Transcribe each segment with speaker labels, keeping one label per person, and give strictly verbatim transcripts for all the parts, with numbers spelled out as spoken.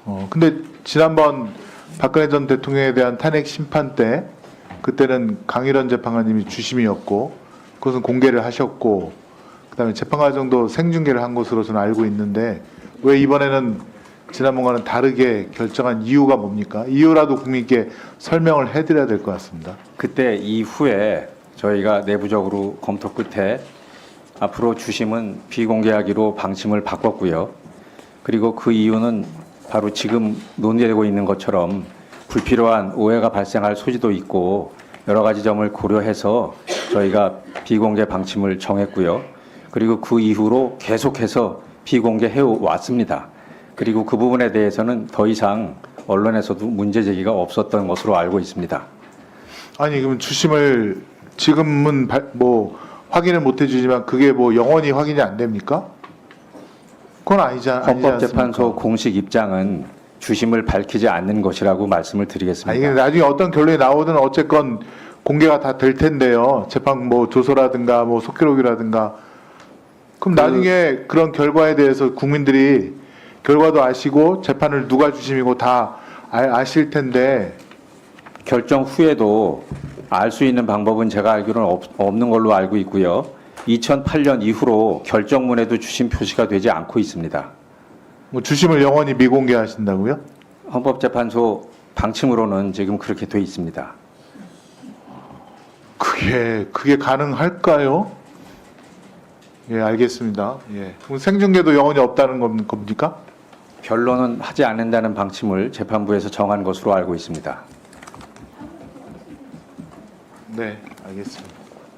Speaker 1: 어, 근데 지난번 박근혜 전 대통령에 대한 탄핵 심판 때 그때는 강일원 재판관님이 주심이었고 그것은 공개를 하셨고 그다음에 재판 과정도 생중계를 한 것으로 저는 알고 있는데 왜 이번에는 지난번과는 다르게 결정한 이유가 뭡니까? 이유라도 국민께 설명을 해드려야 될 것 같습니다.
Speaker 2: 그때 이후에 저희가 내부적으로 검토 끝에 앞으로 주심은 비공개하기로 방침을 바꿨고요. 그리고 그 이유는 바로 지금 논의되고 있는 것처럼 불필요한 오해가 발생할 소지도 있고 여러 가지 점을 고려해서 저희가 비공개 방침을 정했고요. 그리고 그 이후로 계속해서 비공개해 왔습니다. 그리고 그 부분에 대해서는 더 이상 언론에서도 문제 제기가 없었던 것으로 알고 있습니다.
Speaker 1: 아니 그럼 주심을 지금은 발, 뭐 확인을 못 해주지만 그게 뭐 영원히 확인이 안 됩니까? 그건 아니지, 아니지 않습니까?
Speaker 2: 헌법재판소 공식 입장은 주심을 밝히지 않는 것이라고 말씀을 드리겠습니다.
Speaker 1: 아니 근데 나중에 어떤 결론이 나오든 어쨌건 공개가 다 될 텐데요. 재판 뭐 조서라든가 뭐 속기록이라든가. 그럼
Speaker 2: 그-
Speaker 1: 나중에 그런 결과에 대해서 국민들이 결과도 아시고 재판을 누가 주심이고 다 아, 아실 텐데.
Speaker 2: 결정 후에도 알 수 있는 방법은 제가 알기로는 없, 없는 걸로 알고 있고요. 이천팔 년 이후로 결정문에도 주심 표시가 되지 않고 있습니다.
Speaker 1: 뭐 주심을 영원히 미공개하신다고요?
Speaker 2: 헌법재판소 방침으로는 지금 그렇게 돼 있습니다.
Speaker 1: 그게 그게 가능할까요? 예, 알겠습니다. 예. 그럼 생중계도 영원히 없다는 겁- 겁니까?
Speaker 2: 변론은 하지 않는다는 방침을 재판부에서 정한 것으로 알고 있습니다.
Speaker 1: 네, 알겠습니다.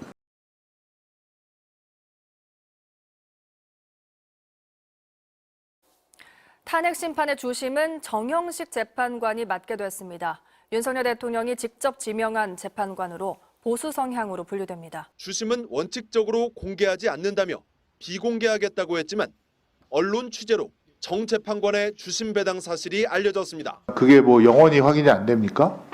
Speaker 3: 탄핵 심판의 주심은 정형식 재판관이 맡게 됐습니다. 윤석열 대통령이 직접 지명한 재판관으로 보수 성향으로 분류됩니다.
Speaker 4: 주심은 원칙적으로 공개하지 않는다며 비공개하겠다고 했지만 언론 취재로 정 재판관의 주심 배당 사실이 알려졌습니다.
Speaker 1: 그게 뭐 영원히 확인이 안 됩니까?